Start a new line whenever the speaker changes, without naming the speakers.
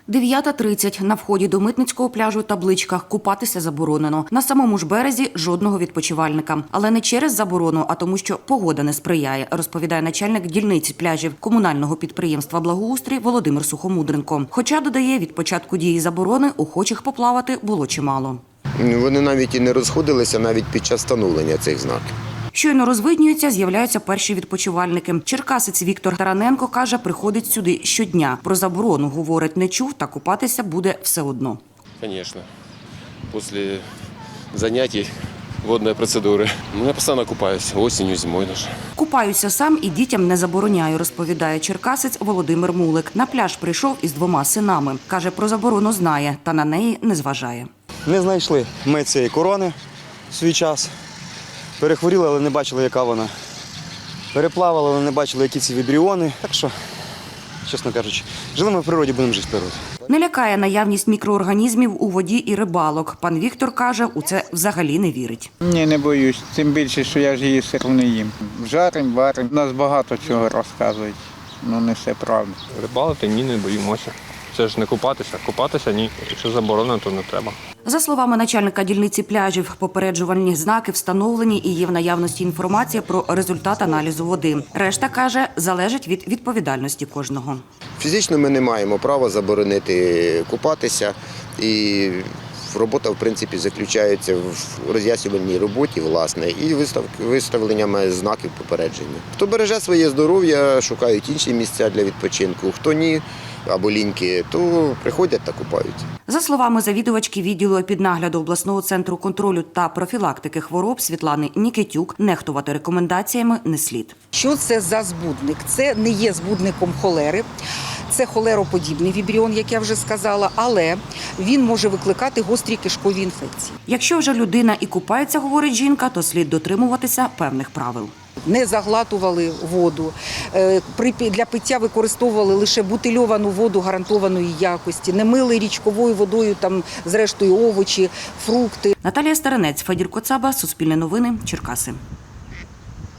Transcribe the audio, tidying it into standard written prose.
9:30. На вході до Митницького пляжу табличка «Купатися заборонено». На самому ж березі жодного відпочивальника. Але не через заборону, а тому, що погода не сприяє, розповідає начальник дільниці пляжів комунального підприємства «Благоустрій» Володимир Сухомудренко. Хоча, додає, від початку дії заборони охочих поплавати було чимало.
Вони навіть і не розходилися навіть під час встановлення цих знаків.
Щойно розвиднюються, з'являються перші відпочивальники. Черкасець Віктор Тараненко каже, приходить сюди щодня. Про заборону, говорить, не чув, та купатися буде все одно.
Звісно. Після занять водної процедури. Я постійно купаюся, осінню, зимою навіть.
Купаюся сам і дітям не забороняю, розповідає черкасець Володимир Мулик. На пляж прийшов із 2 синами. Каже, про заборону знає, та на неї не зважає.
Не знайшли ми цієї корони в свій час. Перехворіли, але не бачили, яка вона. Переплавали, але не бачили, які ці вібріони. Так що, чесно кажучи, жили ми в природі, будемо жити в природі.
Не лякає наявність мікроорганізмів у воді і рибалок. Пан Віктор каже, у це взагалі не вірить.
Ні, не боюсь. Тим більше, що я ж її все одно не їм. Жарим, варим. Нас багато чого розказують. Ну, не все правда.
Рибалити ні, не боїмося. Це ж не купатися. Купатися ні. Якщо заборонено, то не треба.
За словами начальника дільниці пляжів, попереджувальні знаки встановлені і є в наявності інформація про результат аналізу води. Решта, каже, залежить від відповідальності кожного.
Фізично ми не маємо права заборонити купатися, і робота, в принципі, заключається в роз'яснювальній роботі, власне, і виставленнями знаків попередження. Хто береже своє здоров'я, шукають інші місця для відпочинку, хто ні, або ліньки, то приходять та купаються.
За словами завідувачки відділу під нагляду обласного центру контролю та профілактики хвороб Світлани Нікітюк, нехтувати рекомендаціями не слід.
Що це за збудник? Це не є збудником холери. Це холероподібний вібріон, як я вже сказала, але він може викликати гострі кишкові інфекції.
Якщо вже людина і купається, говорить жінка, то слід дотримуватися певних правил.
Не заглатували воду, для пиття використовували лише бутильовану воду гарантованої якості, не мили річковою водою, там, зрештою, овочі, фрукти.
Наталія Старинець, Федір Коцаба, Суспільне новини, Черкаси.